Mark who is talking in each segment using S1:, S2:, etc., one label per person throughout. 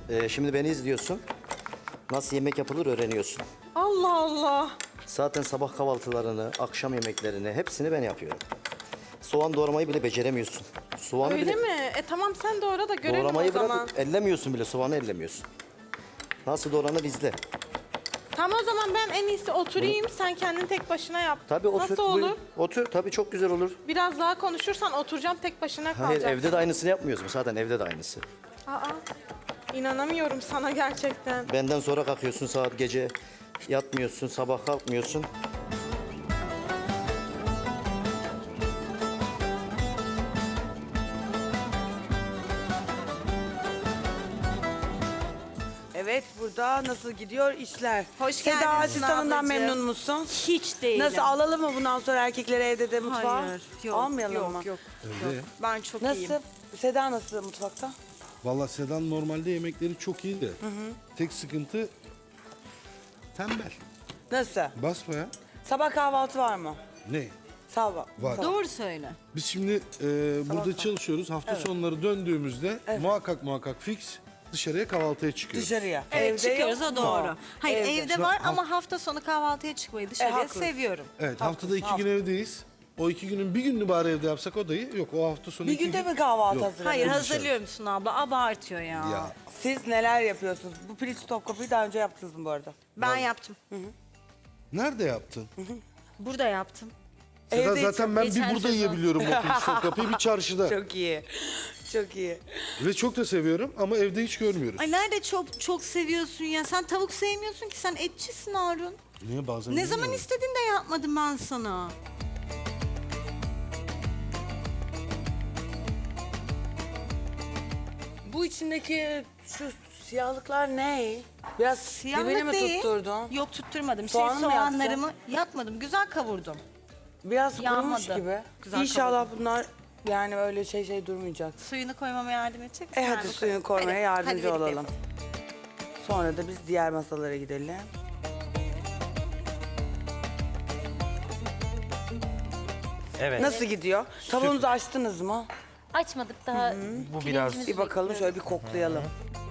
S1: Şimdi beni izliyorsun. Nasıl yemek yapılır öğreniyorsun.
S2: Allah Allah.
S1: Zaten sabah kahvaltılarını, akşam yemeklerini hepsini ben yapıyorum. Soğan doğramayı bile beceremiyorsun. Soğanı
S2: Öyle
S1: bile
S2: mi? Tamam sen doğra da görelim
S1: doğramayı
S2: o zaman.
S1: bırak, ellemiyorsun bile, soğanı ellemiyorsun. Nasıl doğranır izle.
S2: Tamam o zaman ben en iyisi oturayım. Sen kendin tek başına yap.
S1: Tabii otur.
S2: Nasıl olur?
S1: buyur. Otur, tabii çok güzel olur.
S2: Biraz daha konuşursan oturacağım tek başına
S1: Hayır,
S2: kalacağım.
S1: evde de aynısını yapmıyoruz mu? Zaten evde de aynısı.
S2: Aa, inanamıyorum sana gerçekten.
S1: Benden sonra kalkıyorsun saat gece, yatmıyorsun, sabah kalkmıyorsun.
S3: Evet, burada nasıl gidiyor işler?
S4: Hoş
S3: Seda
S4: geldin
S3: asistanından
S4: ablacığım.
S3: memnun musun?
S4: Hiç değilim.
S3: Nasıl alalım mı bundan sonra erkekleri evde de mutfağa?
S4: Hayır, yok,
S3: Almayalım mı?
S4: yok. Ben çok
S3: Nasıl?
S4: iyiyim.
S3: Seda nasıl mutfakta?
S5: Vallahi Sedan normalde yemekleri çok iyi de. Tek sıkıntı tembel.
S3: Nasıl?
S5: Basmaya.
S3: Sabah kahvaltı var mı?
S5: Ne?
S3: Sabah.
S5: Var.
S3: Sabah.
S4: Doğru söyle.
S5: Biz şimdi burada çalışıyoruz. Hafta sonları döndüğümüzde muhakkak fix dışarıya kahvaltıya çıkıyoruz.
S3: Dışarıya.
S4: Evet çıkıyoruz
S3: yok
S4: o
S3: mu?
S4: doğru. Hayır evde var
S5: Şimdi
S4: ama hafta sonu kahvaltıya çıkmayı dışarıya
S3: haklısın.
S4: seviyorum.
S5: Evet, haftada 2 gün evdeyiz. O 2 günün bir gününü bari evde yapsak o da iyi. Yok, o hafta sonu
S3: Bir
S5: 2
S3: günde
S5: gün.
S3: mi kahvaltı
S5: Yok.
S3: hazırladın?
S4: Hayır
S5: dışarı.
S4: hazırlıyor musun abla? Abartıyor ya.
S5: Ya
S3: Siz neler yapıyorsunuz? Bu piliç topkapıyı daha önce yaptınız mı bu arada?
S4: Ben yaptım.
S5: nerede yaptın?
S4: Burada yaptım.
S5: Seda
S3: Evde
S5: zaten ben bir
S4: geçen
S5: burada
S4: sezon.
S5: yiyebiliyorum o pirinç topkapıyı, bir çarşıda.
S3: Çok iyi. Çok iyi.
S5: Ve çok da seviyorum ama evde hiç görmüyoruz.
S4: Ay nerede çok seviyorsun ya? Sen tavuk sevmiyorsun ki sen etçisin Harun.
S5: Niye bazen
S4: Ne zaman
S5: bilmiyorum.
S4: istedin de yapmadım ben sana.
S3: Bu içindeki şu siyahlıklar ne? Biraz dibini mi
S4: değil.
S3: tutturdun?
S4: Yok tutturmadım.
S3: Soğanı mı
S4: Soğanlarımı yapmadım. Güzel kavurdum.
S3: Biraz kurumuş
S4: Yanmadı.
S3: gibi.
S4: Güzel
S3: İnşallah bunlar yani öyle şey durmayacak.
S4: Suyunu koymama yardım edecek misin?
S3: Hadi suyunu koymaya
S4: Hadi,
S3: yardımcı
S4: hadi
S3: olalım. Sonra da biz diğer masalara gidelim.
S1: Evet.
S3: Nasıl gidiyor? Tavuğunuzu açtınız mı?
S6: Açmadık daha.
S1: Bu biraz
S3: Bir bakalım şöyle bir koklayalım.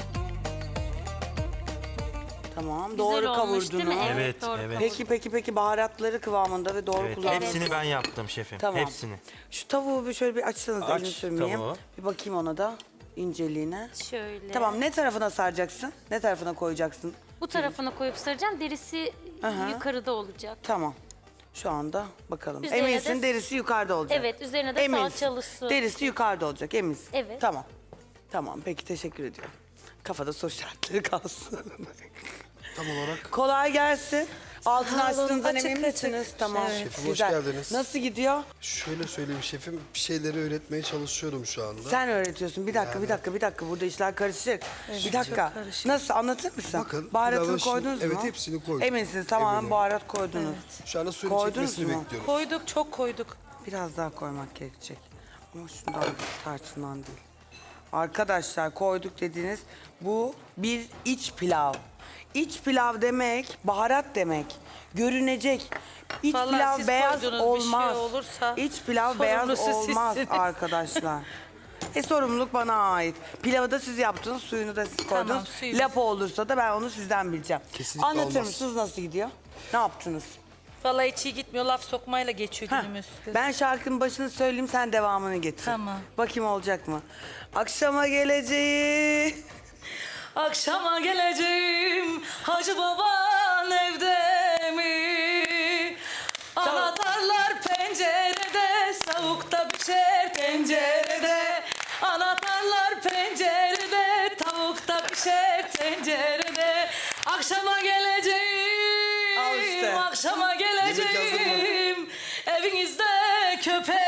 S3: Tamam, doğru
S6: Güzel olmuş değil mi?
S3: kavurdunuz.
S7: Evet,
S6: doğru
S7: evet.
S3: Peki baharatları kıvamında ve doğru
S7: Evet,
S3: kullandınız.
S7: hepsini ben yaptım şefim.
S3: Tamam.
S7: Hepsini.
S3: Şu tavuğu bir şöyle bir açsanız
S7: Aç
S3: elini sürmeyeyim.
S7: tavuğu.
S3: Bir bakayım ona da inceliğine.
S6: Şöyle.
S3: Tamam, ne tarafına saracaksın? Ne tarafına koyacaksın?
S6: Bu tarafına koyup saracağım. Derisi
S3: Aha.
S6: yukarıda olacak.
S3: Tamam. Şu anda bakalım.
S6: Üzerine
S3: Eminsin
S6: de-
S3: derisi yukarıda olacak.
S6: Evet, üzerine de salçalı su.
S3: Derisi yukarıda olacak, eminsin.
S6: Evet.
S3: Tamam. Tamam, peki teşekkür ediyorum. Kafada soru işaretleri kalsın.
S5: Tam olarak.
S3: Kolay gelsin. Altını açtığınızdan
S4: Açık,
S3: emin
S4: açık.
S3: misiniz? Tamam.
S8: Şefim, hoş
S3: Güzel.
S8: geldiniz.
S3: Nasıl gidiyor?
S8: Şöyle söyleyeyim şefim, bir şeyleri öğretmeye çalışıyorum şu anda.
S3: Sen öğretiyorsun. Bir dakika. Burada işler karışık. Bir dakika. Nasıl anlatır mısın?
S8: Bakın,
S3: Baharatını
S8: pilavın şimdi-
S3: koydunuz mu?
S8: evet, hepsini koyduk.
S3: Eminsiniz tamamen
S8: Eminim.
S3: baharat koydunuz.
S8: Şu anda suyun
S3: Koydunuz
S8: çekmesini
S3: mu?
S8: bekliyoruz.
S2: Koyduk, çok koyduk.
S3: Biraz daha koymak gerekecek. Ama şundan tarçından değil. Arkadaşlar koyduk dediğiniz bu bir iç pilav. İç pilav demek baharat demek. Görünecek. İç
S2: Vallahi
S3: pilav
S2: siz
S3: beyaz
S2: koydunuz, bir şey
S3: olmaz.
S2: olursa
S3: İç pilav beyaz
S2: sorumlusu
S3: olmaz
S2: sizsiniz.
S3: arkadaşlar. Sorumluluk bana ait. Pilavı da siz yaptınız, suyunu da siz koydunuz.
S2: suyumuz.
S3: Lapa olursa da ben onu sizden bileceğim.
S8: Kesinlikle
S3: Anlatır
S8: olmaz.
S3: mısınız nasıl gidiyor? Ne yaptınız?
S2: Vallahi hiç iyi gitmiyor. Laf sokmayla geçiyor
S3: Heh,
S2: günümüz.
S3: ben şarkının başını söyleyeyim, sen devamını getir.
S2: Tamam.
S3: Bakayım olacak mı? Akşama geleceğim.
S2: Akşama geleceğim. Hacı baban evde mi? Anahtarlar pencerede, savukta pişer tencerede. Anahtarlar pencerede, tavukta pişer tencerede. Akşama geleceğim.
S3: Al işte.
S2: Akşama
S8: Yemek hazır mı?
S2: geleceğim. Evinizde köpek